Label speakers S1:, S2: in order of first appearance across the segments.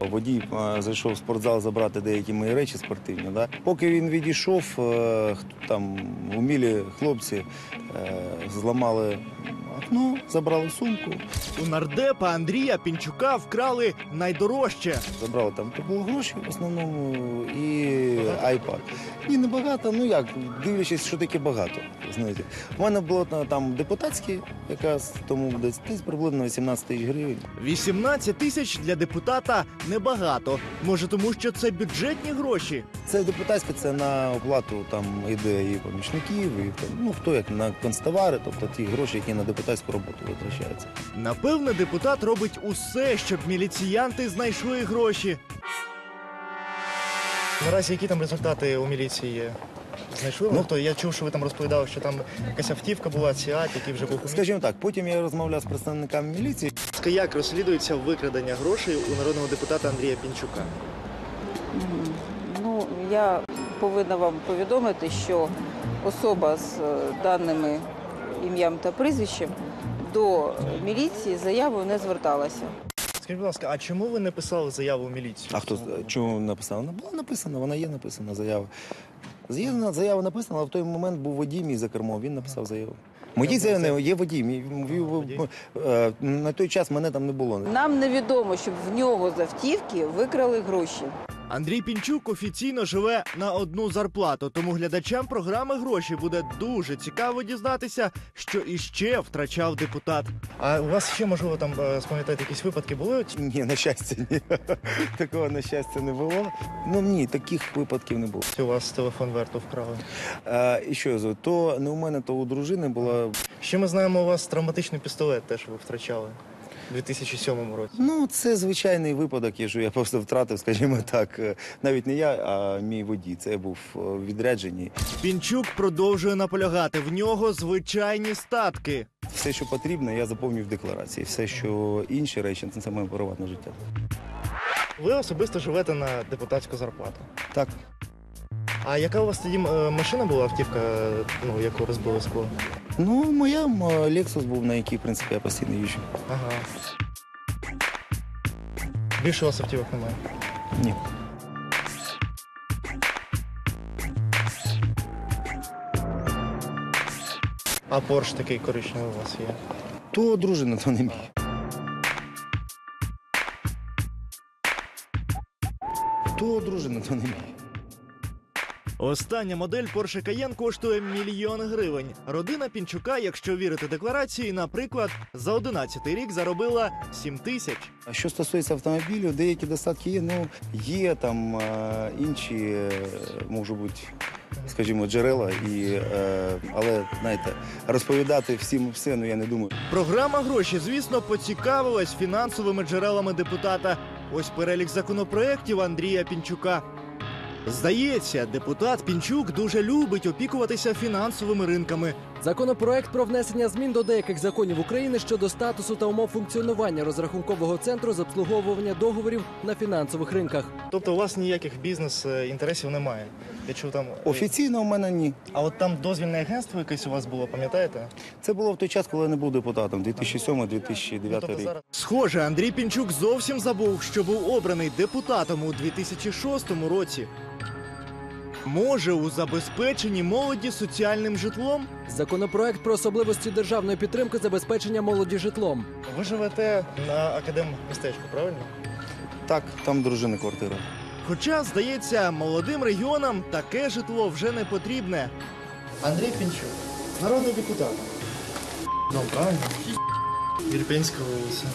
S1: Водій зайшов в спортзал забрати деякі мої речі спортивні. Да? Поки він відійшов, там умілі хлопці зламали окно, забрали сумку.
S2: У нардепа Андрія Пінчука вкрали найдорожче.
S1: Забрали там гроші в основному і айпад. Ні, не багато, ну як, дивлячись, що таке багато. Знаєте. У мене було там депутатське, якраз тому десь приблизно 18 тисяч гривень.
S2: 18 тисяч для депутата небагато. Може тому, що це бюджетні гроші?
S1: Це депутатське, це на оплату там іде і помічників, і ну хто як на констовари, тобто ті гроші, які на депутатську роботу витрачаються.
S2: Напевне, депутат робить усе, щоб міліціянти знайшли гроші. Наразі які там результати у міліції є? Знайшли? Ну, я чув, що ви там розповідали, що там якась автівка була, Сіат, який вже був.
S1: Скажімо так, потім я розмовляв з представниками міліції.
S2: Як розслідується викрадення грошей у народного депутата Андрія Пінчука?
S3: Ну, я повинна вам повідомити, що особа з даними ім'ям та прізвищем до міліції заявою не зверталася.
S2: Скажіть, будь ласка, а чому ви не писали заяву в міліцію?
S1: А хто чому написав? Вона була написана, вона є написана заява. Заява написана, але в той момент був водій мій за кермом, він написав заяву. Моїй заяві є водій. На той час мене там не було.
S3: Нам невідомо, щоб в нього з автівки викрали гроші.
S2: Андрій Пінчук офіційно живе на одну зарплату, тому глядачам програми «Гроші» буде дуже цікаво дізнатися, що іще втрачав депутат. А у вас ще, можливо, там, спам'ятаєте, якісь випадки були?
S1: Ні, на щастя, ні. Такого, на щастя, не було. Ну, ні, таких випадків не було.
S2: У вас телефон Верту вкрали.
S1: І що, то не у мене, то у дружини була...
S2: Ще ми знаємо, у вас травматичний пістолет теж ви втрачали. У 2007 році.
S1: Ну, це звичайний випадок, я просто втратив, скажімо так, навіть не я, а мій водій. Це я був у відрядженні.
S2: Пінчук продовжує наполягати, в нього звичайні статки.
S1: Все, що потрібно, я заповнюю в декларації. Все, що інші речі, це моє приватне життя.
S2: Ви особисто живете на депутатську зарплату?
S1: Так.
S2: А яка у вас тоді машина була, автівка, ну, яку розбили скло?
S1: Ну, моя Lexus був, на якій, в принципі, я постійно їжджу.
S2: Ага. Більше у вас автівок немає?
S1: Ні.
S2: А Porsche такий коричневий у вас є?
S1: То дружина, то не мій. То дружина, то не мій.
S2: Остання модель Porsche Cayenne коштує 1 мільйон гривень. Родина Пінчука, якщо вірити декларації, наприклад, за 11-й рік заробила 7 тисяч.
S1: А що стосується автомобілю, деякі достатки є, ну, є там інші, може бути, скажімо, джерела, але, знаєте, розповідати всім все, ну, я не думаю.
S2: Програма «Гроші», звісно, поцікавилась фінансовими джерелами депутата. Ось перелік законопроєктів Андрія Пінчука. Здається, депутат Пінчук дуже любить опікуватися фінансовими ринками.
S4: Законопроект про внесення змін до деяких законів України щодо статусу та умов функціонування розрахункового центру з обслуговування договорів на фінансових ринках.
S2: Тобто у вас ніяких бізнес-інтересів немає? Я чув там...
S1: Офіційно у мене ні.
S2: А от там дозвільне агентство якесь у вас було, пам'ятаєте?
S1: Це було в той час, коли я не був депутатом, 2007-2009 рік.
S2: Схоже, Андрій Пінчук зовсім забув, що був обраний депутатом у 2006 році. Може, у забезпеченні молоді соціальним житлом?
S4: Законопроект про особливості державної підтримки забезпечення молоді житлом.
S2: Ви живете на Академмістечку, правильно?
S1: Так, там дружини квартира.
S2: Хоча, здається, молодим регіонам таке житло вже не потрібне. Андрій Пінчук, народний депутат. Ну, правильно. Ірпенська вулиця.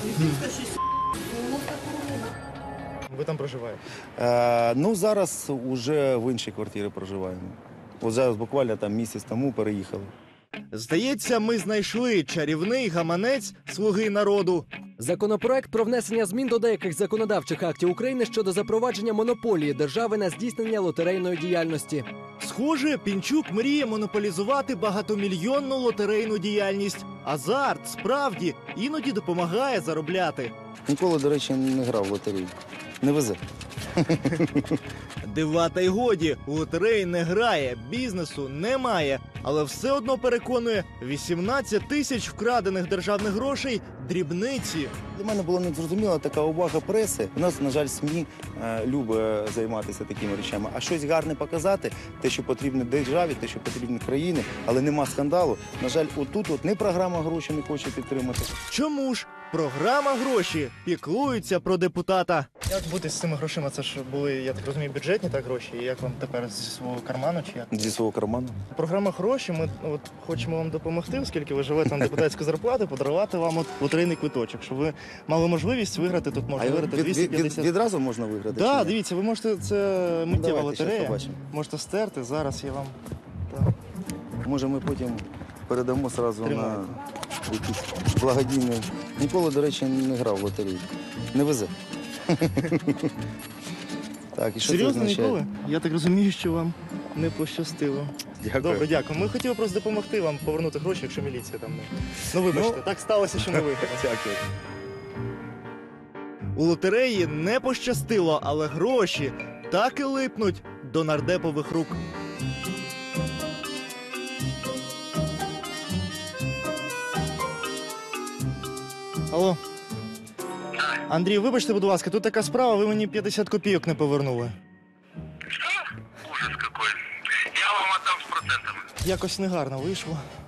S2: Ви там проживаєте?
S1: Ну, зараз уже в іншій квартирі проживаємо. От зараз буквально там місяць тому переїхали.
S2: Здається, ми знайшли чарівний гаманець «Слуги народу».
S4: Законопроект про внесення змін до деяких законодавчих актів України щодо запровадження монополії держави на здійснення лотерейної діяльності.
S2: Схоже, Пінчук мріє монополізувати багатомільйонну лотерейну діяльність. Азарт, справді, іноді допомагає заробляти.
S1: Ніколи, до речі, не грав в лотерею. Не везе.
S2: Дива та й годі, у лотереї не грає, бізнесу немає, але все одно переконує, 18 тисяч вкрадених державних грошей – дрібниці.
S1: Для мене була незрозуміла така увага преси. У нас, на жаль, СМІ любить займатися такими речами. А щось гарне показати, те, що потрібно державі, те, що потрібно країні, але нема скандалу. На жаль, отут не програма гроші не хоче підтримати.
S2: Чому ж? Програма «Гроші» піклується про депутата.
S5: Як бути з цими грошима? Це ж були, я так розумію, бюджетні так гроші. І як вам тепер зі свого карману чи як?
S1: Зі свого карману.
S5: Програма «Гроші», ми от хочемо вам допомогти, оскільки ви живете на депутатську зарплату, подарувати вам от лотерейний квиточок, щоб ви мали можливість виграти, тут можна виграти 250.
S1: Відразу можна виграти?
S5: Так,
S1: чи ні?
S5: дивіться, ви можете, це миттєва
S1: Давайте, щас
S5: лотерея,
S1: побачимо.
S5: можете стерти, зараз я вам... Так.
S1: Може, ми потім передамо одразу на
S5: Тримайте.
S1: якісь благодійні. Ніколи, до речі, не грав в лотереї. Не везе. Так, і що це
S5: Серйозно,
S1: означає?
S5: ніколи? Я так розумію, що вам не пощастило.
S1: Дякую.
S5: Добре, дякую. Ми хотіли просто допомогти вам повернути гроші, якщо міліція там не... Ну, вибачте,
S1: Ну,
S5: так сталося, що не виграли.
S1: Дякую.
S2: У лотереї не пощастило, але гроші так і липнуть до нардепових рук.
S5: Алло. Андрій, вибачте, будь ласка, тут така справа, ви мені 50 копійок не повернули.
S6: Ужас какой. Я вам отдам с процентами.
S5: Якось негарно вийшло.